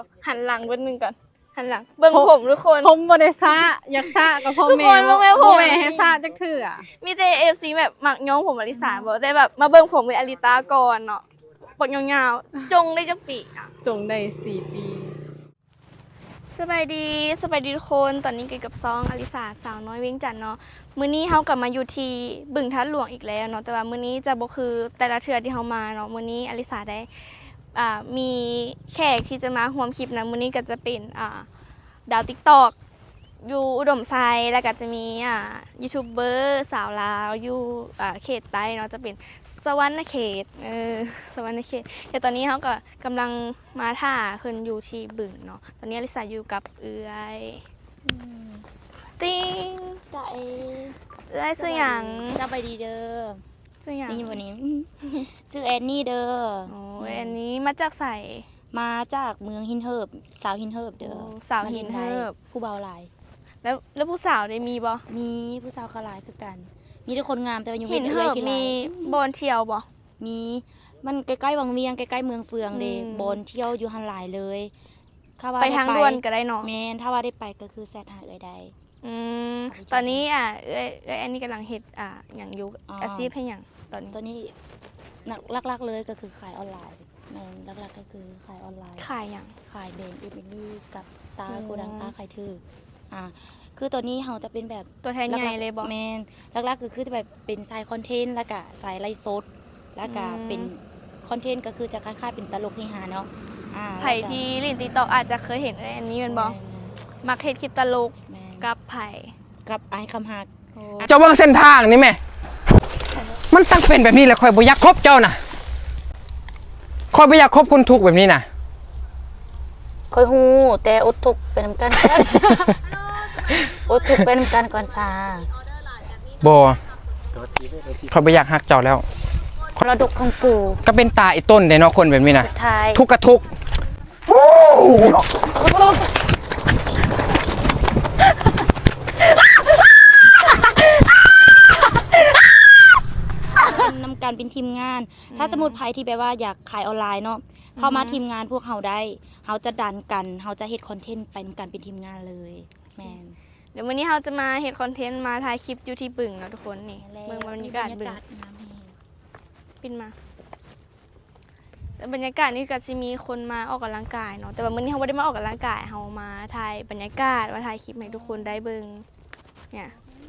หันหลังเบิ้นึงก่อนหันหลังเบิ้งผมทุกคนผมบ่ได้ซะอยากซะกับพ่อแม่ทุกคนเบิ่งแม่ผมบ่แม่ให้ซะจักเทื่อมีแต่FCแบบมักย้อมผมอลิสาบอกได้แบบมาเบิ้งผมกับอลิตาก่อนเนาะปกยาวๆจงได้จักปีอ่ะจงได้4 ปีสบายดีทุกคนตอนนี้เกี่ยวกับซองอลิสาสาวน้อยเวียงจันทน์เนาะมื้อนี้เฮากลับมาอยู่ที่บึงทัดหลวงอีกแล้วเนาะแต่ว่ามื้อนี้จะบ่คือแต่ละเทื่อที่เฮามาเนาะมื้อนี้อลิสาได้มีแขกที่จะมาร่วมคลิปนะมื้อนี้ก็จะเป็นดาว TikTok อยู่อุดมไซแล้วก็จะมียูทูบเบอร์สาวลาวอยู่เขตใต้เนาะจะเป็นสวรรณเขตสวรรณเขตแต่ตอนนี้เขาก็กำลังมาท่าเพิ่นอยู่ที่บึงเนาะตอนนี้อลิสาอยู่กับเอื้อยติ้งใจเอื้อยซื้อหยังสบายดีเด้อซื้อหยังนี่วันนี้ ซื้อแอนนี่เด้อโอ้ยอันนี้มาจากใส่มาจากเมืองหินเหิบสาวหินเหิบเด้อสาวหินเหิบผู้เบาหลายแล้วผู้สาวได้มีบ่มีผู้สาวเขาหลายคือกัน มีแต่คนงามแต่ว่ายังหินเหิบมีบอนเที่ยวบ่มีมันใกล้ๆวังเวียงใกล้ๆเมืองเฟืองเด้อืมบอนเที่ยวอยู่หันหลายเลยถ้ว่ไปทางด่วนก็ได้เนาะแม่นถ้าว่าได้ไปก็คือแซดหาเอ้ยได้ตอนนี้เอ้ยอันนี้กำลังเฮ็ดอย่างอยู่อ๋อออาชีพให้หยังตอนนี้ตัวนี้หลักๆเลยก็คือขายออนไลน์แม่นหลักๆก็คือขายออนไลน์ขายหยังขายเบนเอมิลี่กับตาอืมโกดังตาขายถือคือตัวนี้เขาจะเป็นแบบตัวแทนใหญ่เลยบ่แมนหลักๆก็คือจะแบบเป็นสายคอนเทนต์แล้วก็สายไลฟ์สดแล้วก็อืมเป็นคอนเทนต์ก็คือจะคล้ายๆเป็นตลกเฮฮาเนาะไผ่ที่ลินTikTokอาจจะเคยเห็นอันนี้แมันบ่มักเฮ็ดคลิปตลกแม่นกับไผ่กับไอ้คำหักเจ้าเบิ่งเส้นทางนี่แม่มันตั้งเป็นแบบนี้แหละคอยบ่อยากคบเจ้าน่ะคอยบ่อยากคบคนทุกข์แบบนี้น่ะค่อยฮู้แต่อดทุกข์เป็นนำกันก่อน อดทุกข์เป็นนำกันก่อนซาบ่คอยบ่อยากฮักเจ้าแล้วมรดกของปู่ก็เป็นตาไอ้ต้นเด้เนาะคนแบบนี้น่ะท้ายทุกข์กะทุกข์นำการเป็นทีมงาน ถ้าสมมุติไผที่แบบว่าอยากขายออนไลน์เนาะเข้ามาทีมงานพวกเฮาได้เฮาจะดันกันเฮาจะเฮ็ดคอนเทนต์ไปนำกันเป็นทีมงานเลยแม่นเดี๋ยววันนี้เราจะมาเฮ็ดคอนเทนต์มาถ่ายคลิปอยู่ที่บึงเนาะทุกคนนี่เมืองบรรยากาศบึงน้ำแห้งปินมาแล้วบรรยากาศนี่ก็จะมีคนมาออกกำลังกายเนาะแต่ว่ามื้อนี้เราไม่ได้มาออกกำลังกายเรามาถ่ายบรรยากาศมาถ่ายคลิปให้ทุกคนได้เบิ่งเนี่ย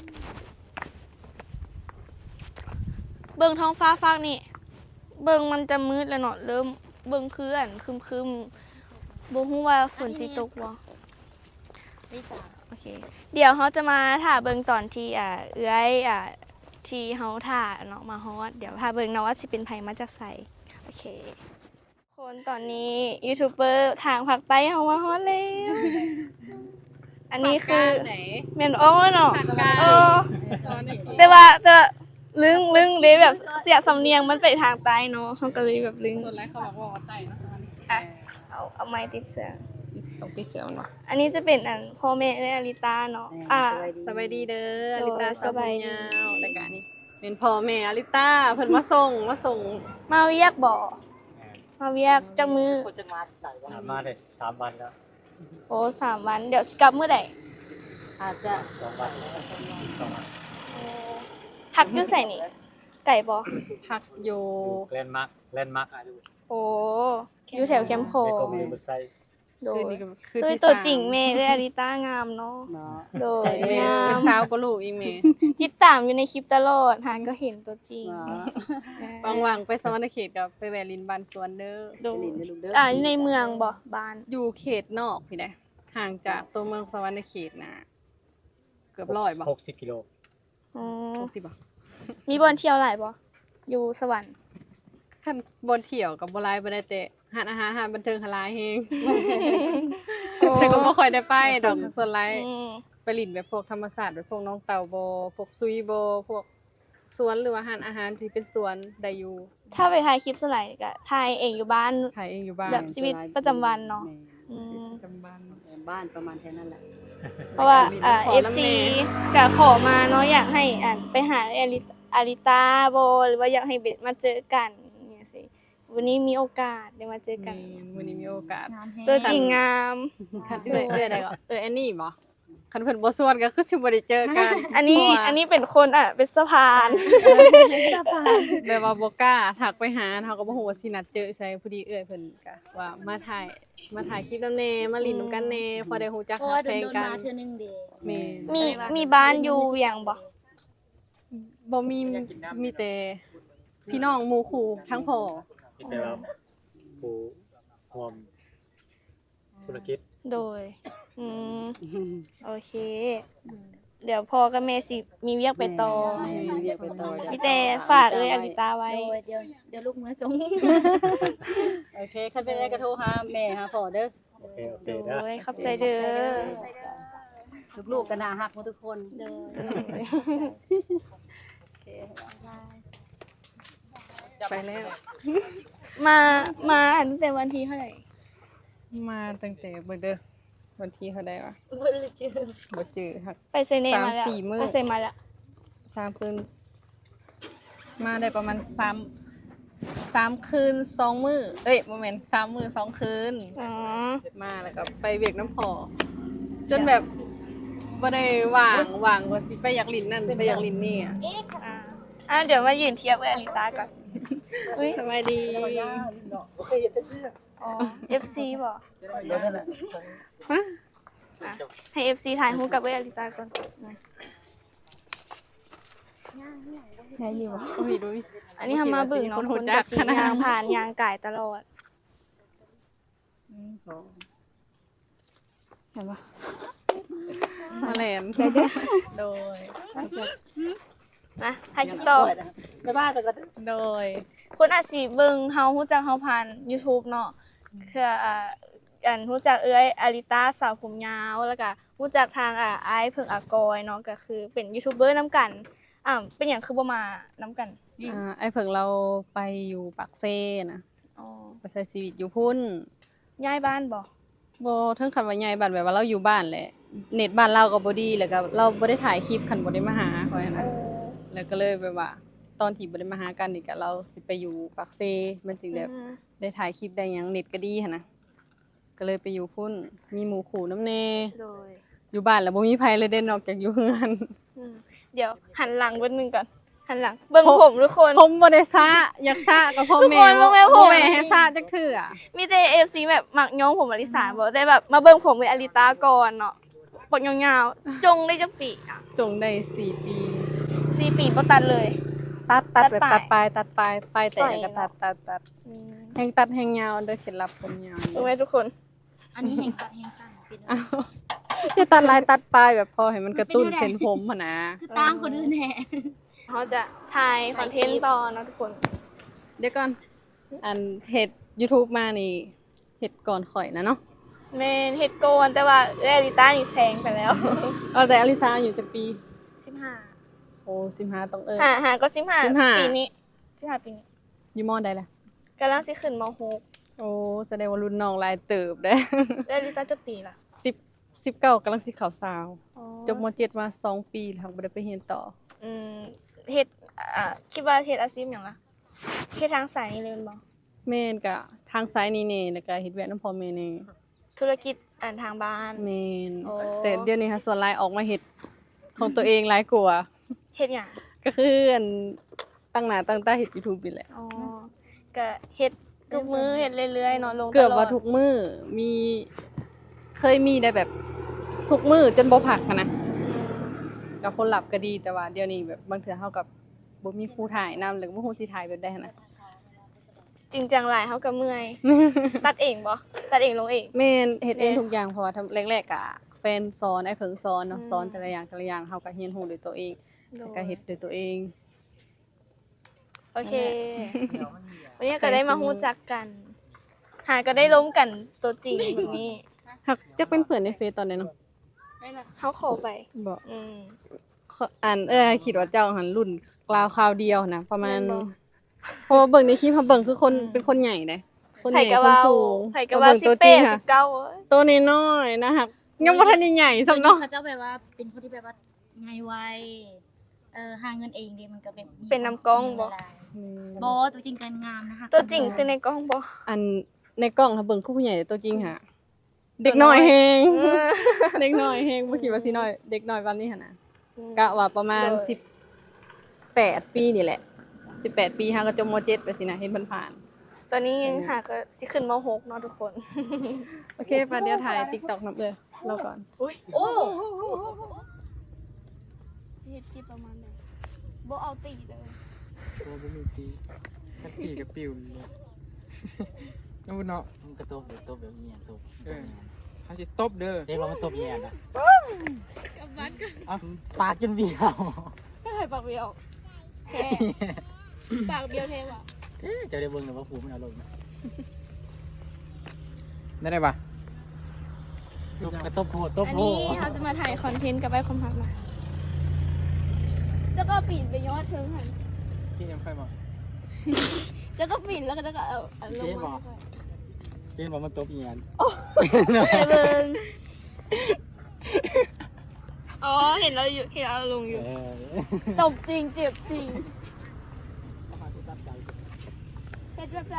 เบิ่งท้องฟ้าฟากนี่เบิ่งมันจะมืดแล้วเนาะเริ่มเบิ่งคืออันครึมๆบ่ฮู้ว่าฝนสิตกบ่ลิซ่าโอเคเดี๋ยวเขาจะมาถ่าเบิ่งตอนที่เอื้อยที่เขาถ่าเนาะมาฮอดเดี๋ยวถ่าเบิ่งเนาะว่าสิเป็นไผมาจากไสโอเคคนตอนนี้ยูทูบเบอร์ทางภาคใต้เฮามาฮอดแล้วอันนี้คือแม่นอ้อเนาะเออแต่ว่าลึงเด้แบบเสียสำเนียงมันไปทางใต้เนาะเขาก็เลยแบบลึงส่วนแรกเขาบอกว่าใต้นะอ่ะเอาไม้ติดเสียงตกติเจียวเนาะอันนี้จะเป็นพ่อแม่และอลิตาเนาะสบายดีเด้ออโอ้ลิตาสบายดียาวแต่การนี้เป็นพ่อแม่อลิตาเพิ่นมาส่งมาเวียกบ่มาเวียกจังมือมาเลย3 วันแล้วโอ้3 วัน เดี๋ยวสิกลับมื้อใดอาจจะ 2 วัน2 วันพักอยู่ไสนี่ ไก่บ่พักอยู่แลนด์มาร์คโอ้อยู่แถวแคมป์โคแล้วก็มีบุษไซโดคืยนนี้ก็คือตัวที่ตัวสามจริงแม่เลยอลิต้างามเนาะเนาะโดยแม่งาเป็นมสาวก็ลูกอีเมติดตามอยู่ในคลิปตลอดหาก็เห็นตัวจริงว่างๆไปสวรรณเขตกับไปแวะลินบ้านสวนเด้อโดยอยู่ในเมืองบ่บ้านอยู่เขตนอกพี่ได้ห่างจากตัวเมืองสวรรณเขตนะเกือบ100บ่ 60 กิโลอ๋อ 60บ่มีบอนเที่ยวหลายบ่อยู่สวรรค์คันบนเที่ยวกับบ่หลายบ่ได้แต่หานอาหารหานบันเทิงหลายแฮง แต่ก็บ่ค่อยได้ไปดอกส่วนหลายอืมไปลินแบบพวกธรรมศาสตร์แบบพวกน้องเต่าโบพวกซุยโบพวกสวนหรือว่าอาหารที่เป็นสวนได้อยู่ถ้าไปถ่ายคลิปสไลด์ก็ถ่ายเองอยู่บ้านถ่ายเองอยู่บ้านแบบชีวิตประจำวันเนาะ อืมประจำบ้านบ้านประมาณแค่นั้นแหละเพราะว่าขอ FC น้ำแน่ก็ขอมาเนาะอยากให้ไปหาอาริตาโบหรือว่าอยากให้เบสมาเจอกันเนี่ยสิวันนี้มีโอกาสได้มาเจอกันวันนี้มีโอกาสงามแฮงตัวจริงงามคันเอื้อยได้ก็แอนนี่บ่คันเพิ่นบ่ส่วนก็คือสิบ่ได้เจอกันอันนี้เป็นคนเป็นสะพานแบบว่าบ่กล้าทักไปหาเฮาก็บ่ฮู้ว่าสินัดเจอใส่พอดีเอื้อยเพิ่นก็ว่ามาถ่ายคลิปนำแน่มาลิ้นนำกันแน่พอได้ฮู้จักเพราะฮัว่าก โดเพลงนกันมาเทื่อนึงเด้แม่มีบ้านอยู่เวียงบ่บ่มีแต่พี่น้องหมู่คู่ทั้งพ่อคิดแต่ว่าผู้รวมธุรกิจโดยโอเค เดี๋ยวพ่อกับแม่สิมีเวียกไปต่อเรียกไปต่อมีแต่ฝากอลิตาไว้โดยเดี๋ยวลูกมือส่งโอเคคันเป็นอะไรก็โทรหาแม่หาพ่อเด้อโอเคโดนะยขอบใจเด้อลูกๆก็น่ารักหมดทุกคนเด้อไปแล้วมาตั้งแต่วันที่เท่าไหร่มาตั้งแต่เบิ่งเด้อวันที่เท่าใดวะบ่เจอครับไปเซเนมาแล้ว 3-4 มื้อไปเซมาแล้ว 3 คืนมาได้ประมาณ3 คืน 2 มื้อเอ้ยบ่แม่น3 มื้อ 2 คืนอ๋อมาแล้วก็ไปเวียกน้ำพอจนแบบบ่ได้ว่างว่าสิไปอยากลิ้นนั่นไปอยากลิ้นนี่อ่ะเดี๋ยวมายืนเทียบกับอลิตาก่อนสบายดีอ๋อ FC บ่อ่ะให้ FC ถ่ายรูปกับอลิตาก่อนได้อยู่บ่โอ้ยดูอันนี้ทำมาเบิ่งเนาะคนจักับสียางผ่านยางไก่ตลอดเห็นปะมาแลนโดยนะถ่ายคลิปต่อไปบ้านไปก็โดยคนอาจสิเบิ่งเฮาฮู้จักเฮาผ่าน YouTube เนาะคืออันฮู้จักอลิตาสาวผมยาวแล้วก็ฮู้จักทางอ้ายเพิ่งอากอยเนาะก็คือเป็นยูทูบเบอร์นํกันเป็นหยังคือบ่มานํกันไอ้เพิ่งเราไปอยู่ปากเซ่นะอ๋อไปใช้ชีวิตอยู่พุ่นย้ายบ้านบ่บ่ถึงคันว่าใหญ่บ้านแบบว่าเราอยู่บ้านแหละเน็ตบ้านเราก็บ่ดีแล้วก็เราบ่ได้ถ่ายคลิปคันบ่ได้มาหาเขาอะนะแล้วก็เลยแบบว่า ตอนที่บ่ได้มาหากันนี่ก็เราสิไปอยู่ปากเซ่มันจึงแบบได้ถ่ายคลิปได้หยังเน็ตก็ดีหั่นนะก็เลยไปอยู่พุ่นมีหมู่คู่นำแน่โดยอยู่บ้านแล้วบ่มีไผเลยเด้นอกจากอยู่เฮือนเดี๋ยวหันหลังเบิ่งนึงก่อนหันหลังเบิ่งผมทุกคนผมบ่ได้ซะอยากซะกับพ่อทุกแม่คนบ่แม่นผมบ่แม่ให้ซะจักเทื่อมีแต่ FC แบบมักย้อมผมอลิสาบ่ได้แบบมาเบิ่งผมกับอลิตาก่อนเนาะปกยาวๆจงได้จักปีจงได้4 ปี 4 ปีบ่ตัดเลยตัดตัดแบบปลายตัดปลายแต่สวยก็เนาะตัดแห่งตัดแห่งยาวโดยเคล็ดลับผมยาวรู้ไหมทุกคนอันนี้แห่งตัดแห่งสั้นเป็นอ้าวอย่าตัดลายตัดปลายแบบพอให้มันกระตุ้นเส้นผมหั่นนะคือตามคนอื่นแท้เขาจะถ่ายคอนเทนต์ต่อนะทุกคนเดี๋ยวก่อนอันเฮ็ด YouTube มานี่เฮ็ดก่อนข่อยนะเนาะเมนเฮ็ดโกนแต่ว่าอลิต้านี่แซงไปแล้วเอาแต่อลิซาอยู่จักปี 15 โอ้15ต้องหาก็15 15 ปีนี้15ปีนี้อยู่มอใดล่ะกำลังสิขึ้นมโอ้แสดงว่ารุ่นน้องหลายเติบเด้ .6 อลิต้าจะปีล่ะ 19กำลังสิเข้าสาวอ๋อจบม .7 มา2 ปีแล้วบ่ได้ไปเรียนต่อเฮ็ดคิดว่าเฮ็ดอาชีพหยังล่ะเฮ็ดทางสายนี้เลยแม่นบ่แม่นก็ทางซ้ายนี่แน่แล้วก็เฮ็ดเวียกนำพ่อแม่แน่ธุรกิจทางบ้านแม่นโอ้แต่เดี๋ยวนี้ค่ะส่วนหลายออกมาเฮ็ดของตัวเองหลายกว่าเฮ็ดหยังก็คืออันตั้งหน้าตั้งตาเฮ็ด YouTube นี่แหละอ๋อก็เฮ็ดทุกมื้อเฮ็ดเรื่อยๆเนาะลงตลอดเกือบว่าทุกมื้อเคยมีได้แบบทุกมื้อจนบ่พักหั้นนะกับผลลัพธ์ก็ดีแต่ว่าเดี๋ยวนี้แบบบางเทื่อเฮากับบ่มีครูถ่ายนำแล้วก็บ่ฮู้สิถ่ายแบบใดหั้นนะจริงจังหลายเฮาก็เมื่อย ตัดเองบ่ตัดเองลงเองแม่นเฮ็ดเองแม่ทุกอย่างเพราะว่าแรกๆก็แฟนสอนไอ้เพิ่งสอนเนาะสอนแต่ละอย่างเฮาก็เรียนรู้ด้วยตัวเองแล้วก็เฮ็ดด้วยตัวเองโอเค วันนี้ก็ได้มาฮู้จักกัน ก็ได้ล้มกันตัวจริงแบบนี้หักจักเป็นเพื่อนในเฟซตอนนี้เนาะเขาขอไปบ่อืมคิดว่าเจ้าหันรุ่นกล่าวคราวเดียวนะประมาณแม่นบ่เพราะว่าเบิ่งในคลิปเขาเบิ่งคือคนเป็นคนใหญ่เด้คนใหไผญ่ก็คนว่าสูงไผก็ว่าบิ่งตัวจริงค่ะ 18 19เอ้ยตัวน้อยๆนะคะยังบ่ทันได้ใหญ่ซำเนาะเขาเจ้าแบบว่าเป็นคนที่แบบว่าไงไวหาเงินเองเด้มันก็แบบมีเป็นน้ำกล้องบ่เวลาบอตัวจริงกันงามนะคะตัวจริงคือในกล้องบ่อันในกล้องถ้าเบิ่งคู่ผู้ใหญ่ตัวจริงหะเด็กน้อยแฮง เด็กน้อยแฮงบ่คิดว่าสิน้อยเด็กน้อยปานนี้หั่นน่ะกะว่าประมาณ18 ปีนี่แหละ18 ปีหาก็จบม .7 ไปสินะเห็นผ่านตอนนี้ยังหาก็สิขึ้นม .6 เนาะทุกคนๆโอเคป่ะเดี๋ยวถ่าย TikTok นำเลยเราก่อนโอ้สิเฮ็ดคลิปประมาณนั้นบ่เอาตีเลยโอ้บ่มีตีถ้าตีกับปิวเลยน้ำเนาะมันก็ตบแบบนี้ตบเขาสิตบเด้อเด็กเราไม่ตบแย่นะกับบ้านก็ปากจนเบี้ยวไม่เคยปากเบี้ยวแท้ ปากเบี้ยวแท้ว่ะจะได้เบิ่งเลยว่าผูมันเอาลงนะได้ปะกระตบโหดตบอันโหนี้ดเราจะมาถ่ายคอนเทนต์กับไอ้คอมพักมาแล้วก็ปีนไปยอดเทิงหันที่ยังค่อยบอกแล้วก็ปีนแล้วก็เอาลงมาเจนบอกมันตบแย่ไปเบิ่งอ๋อเห็นเราอยู่เห็นเราลงอยู่ตบจริงเจ็บจริงเฮ็ดแบบไหน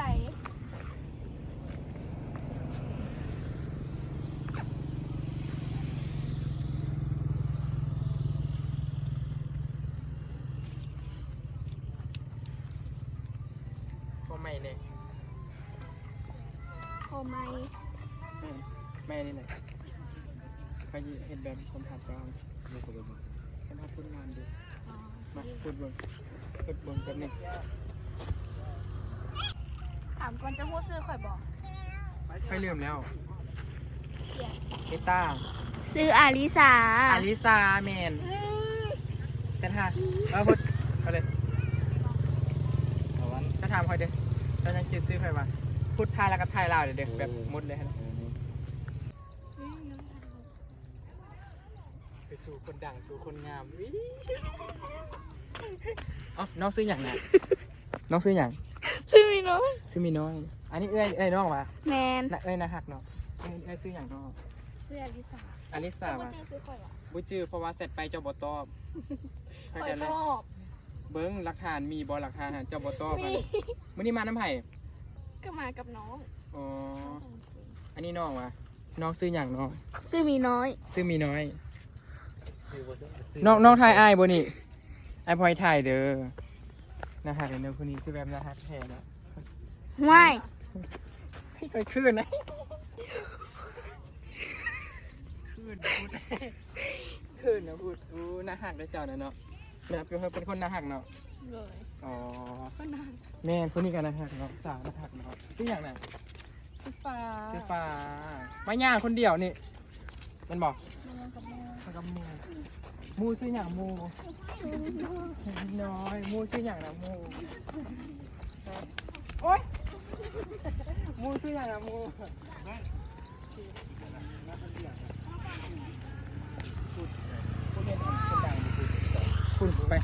ก็ไม่เนี่ยโอ้ไม่ไม่นี่เลยเขาเห็นแบบคนหัดกลางคนหัดพูดงานดูมาพูดเบิ่งกันนี่ถามก่อนจะพูดซื้อข่อยบอกค่อยลืมแล้วเอต้าซื้ออาริสาอาริซาแมนเซนฮาเอาพูดเอาเลยเอาวันจะถามค่อยเด้อจะยังคิดซื้อใครวะพูดไทยแล้วก็ไทยลาวเด้อแบบมุดเลยฮะไปสู่คนดังสู่คนงามเอ้าน้องซื้ออย่างน่ะน้องซื้ออย่างซื้อมีน้อยซื้อมีน้อย อันนี้เอ้ยน้องวะแมนน่ะเอ้ยนะหักเนาะเอ้ยซื้ออย่างน้องซื้ออาริสาอลิซาแต่ว่าว่ะจื้อซื้อข่อยว่ะบุจื้อเพราะว่าเสร็จไปเจ้าบ่ตอบข่อยกันเลชยอบเบิ้งหลักฐานมีบ่หลักฐานเจ้าบ่ตอบกันมื้อนี้มาน้ำไผ่ก็มากับน้องอ๋ออันนี้น้องวะน้องซื้ออย่างน้องซื้อมีน้อยซื้อมีน้อยซื้อบ่ซื้อน้องไทยอ้ายบ่นี่ไอ้พลอยไทยเด้อนะฮะเดี๋ยวคนนี้คือแบบนะฮะแท้เนาะไม่ไปคืนนะคืนนะพูดอู้น่าหักได้เจ้าเนาะเป็นคนน่าหักเนาะเลยอ๋อก็นานแม่นคนนี้กันน่าหักเนาะสาวน่าหักเนาะซื้ออย่างน่ะซื้อปลาซื้อฟ้าไม่ย่างคนเดียวนี่มันบอกมันกับมูมูซื้ออย่างมูน้อยมูซื้ออย่างนะมูโอ๊ยมูซื้ออย่างนะมูคุณไป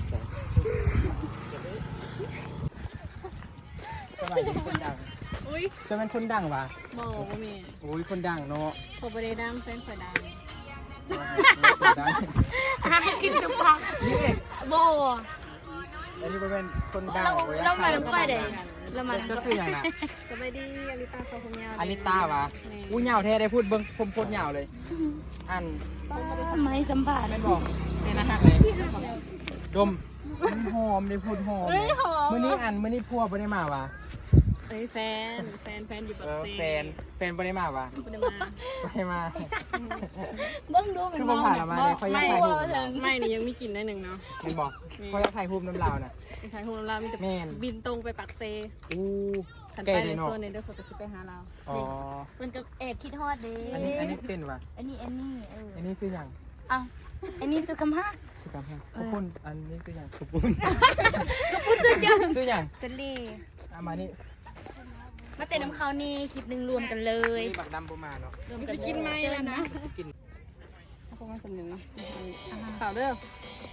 สบายดีคนดังอุ้ยจะเป็นคนดังวะบ่บ่แม่โอ้ยคนดังเนาะเขาบ่ได้ดังแฟนข่อยดังคนดังกินจุ๊บพักนี่เองโบอันนี้เป็นคนดังเรามาน้ำก้อยเด้เรามาก็คืออย่างน่ะสบายดีอลิตาสาวผมยาวอาริต้าวะอู้เหยาวแท้ได้พูดเบิ้งผมโคตรเหยาวเลย อันไม่สัมผัสไม่บอกเนี่ยนะฮะเลยดมหอมได้พูดหอมมื้อนี้มื้อนี้พัวบ่ได้มาวะเอ้ยแฟนอยู่ปักเซแฟนบ่ได้มาวะบ่ได้มาบ่ได้มาเบิ้งดูเป็คืนอบ่ผ่านละมาเลยเขาอยากถ่ายรูปไม่นี่ยังมีกลิ่นได้หนึ่งเนาะเห็นบอกเขาอยากถ่ายรูปน้ำลาวน่ะไปถ่ายฮูลามีแต่แม่นบินตรงไปปักเซอู้ขันแก่ไปดีในเนาะโซนในเด้อเขาก็จะไปหาเราอ๋อมันก็แอบคิดฮอดเด้อันนี้เต้นวะอันนี้อันนี้ซื้ออย่างอ้าวอันนี้สุขภาพซื้อตามให้ขอบคุณอันนี้ซื้ออย่างขอบคุณสุดยอดซื้ออย่างจะเล่เอามานี่มาเต้นน้ำเขานี่คลิปหนึงรวมกันเลยนี่บักดำบ่มาเนาะรวมกันสิกินไหมล่ะนะสิกินเอาพวกมันสำเนียงเนาะข่าวเด้อ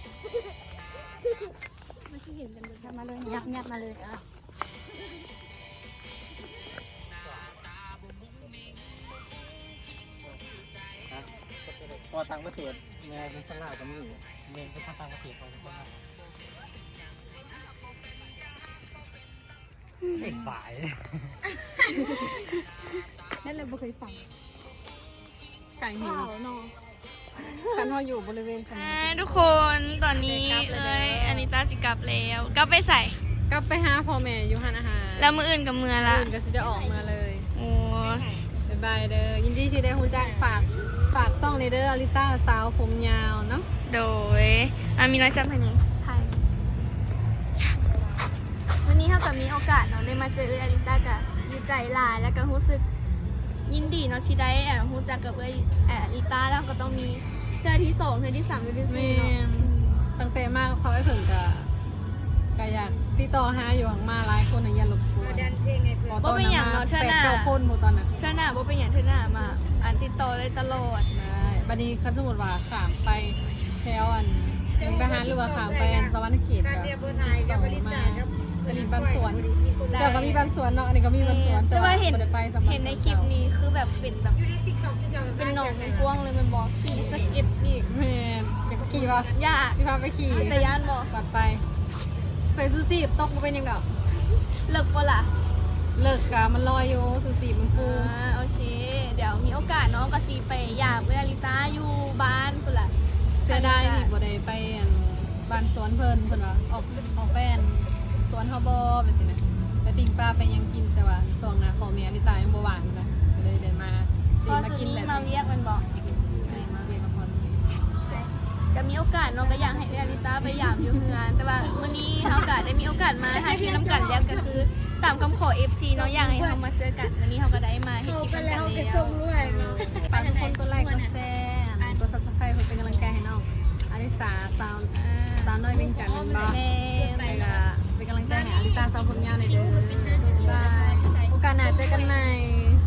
ยับมาเลยยับมาเลยอ่ะพอตังค์ก็เสียแม่เป็นข้างล่างกับมือแม่เป็นข้างล่างก็เสียพอเป็นข้างล่างเอกฝ่ายนั่นเลยบ่เคยฟังไก่หิวเนาะคันเฮาอยู่บริเวณคันทุกคนตอนนี้อันนี้ตาสิกลับแล้วกลับไปใส่กลับไปหาพ่อแม่อยู่หันอาหารแล้วมื้ออื่นกับมื้อละอื่นก็สิได้ออกมาเลยโอ้บ๊ายบายเด้อยินดีที่ได้ฮู้จักฝากซ่องในเด้ออลิต้าสาวผมยาวเนาะโดยมีน้อยจับให้นี่ไทยวันนี้เฮาก็มีโอกาสเนาะได้มาเจออาริต้าก็ดีใจหลายแล้วก็รู้สึกยินดีเนาะที่ได้รู้จักกับอาริต้าแล้วก็ต้องมีเทื่อที่2เทื่อที่3เทื่อที่แม่ 4เนาะนตั้งแต่มากเขาไอ้เพิ่นก็อยากติดต่อหาอยู่หังมาหลายคนน่ะอย่ารบกวนบ่เป็นหยังเนาะเทื่อหน้า 8-9คนหมู่ตอนน่ะเทื่อหน้าบ่เป็นหยังเทื่อหน้ามาติดต่อได้ตลอดได้บัดนี้คันสมมุติว่าข้ามไปแถวมุกดาหารหรือว่าข้ามไปสวรรค์เขตก็ไปลินบ้านสวนเดี๋ยวก็มีบ้านสวนเนาะอันนี้ก็มีบ้านสวนแต่ว่าเห็นบ่ได้ไปสำหรับเห็นในคลิปนี้คือแบบเป็นแบบเป็นหนองเป็นกว้างเลยมันบอกขี่สเก็ตอีกแม่นอยากขี่ป่ะยากพี่พาไปขี่แต่ย่านบอกปัดไปใส่ซูซี่ตกบ่เป็นหยังดอกเลิกปะล่ะเลิกกะมันลอยอยู่ซูซี่มันฟูโอเค เดี๋ยวมีโอกาสเนาะก็ซีไปอยากเวลาลิต้าอยู่บ้านพุ่นล่ะเสียดายที่บ่ได้ไปบ้านสวนเพิ่นว่าออกแป้นสวนเฮาบ่แบบนี้นะไปปิ้งปลาไปหยังกินแต่ว่าช่วงหน้าพ่อแม่ลิตายังบ่ว่างนะก็เลยได้มาพอสุดนี้มาเวียกมันบอกมาเวียนมาพรก็มีโอกาสเนาะก็อยากให้เวลาลิต้าไปยามอยู่เฮือนแต่ว่ามื้อนี้เฮาก็ได้มีโอกาสมาถ่ายคลิปนํกันแล้วก็คือตามคำขอ FC เนาะอยากให้เฮามาเจอกันวันนี้เฮาก็ได้มาเฮ็ดคลิปกันแล้วฝากทุกคนกดไลค์กดแชร์กด Subscribe เพื่อเป็นกำลังใจให้น้องอลิสาสาวน้อยเวียงจันทน์นั่นบ่แล้วก็เป็นกำลังใจให้อลิตาสาวผมยาวหน่อยเด้อบ๊ายบายโอกาสหน้าเจอกันใหม่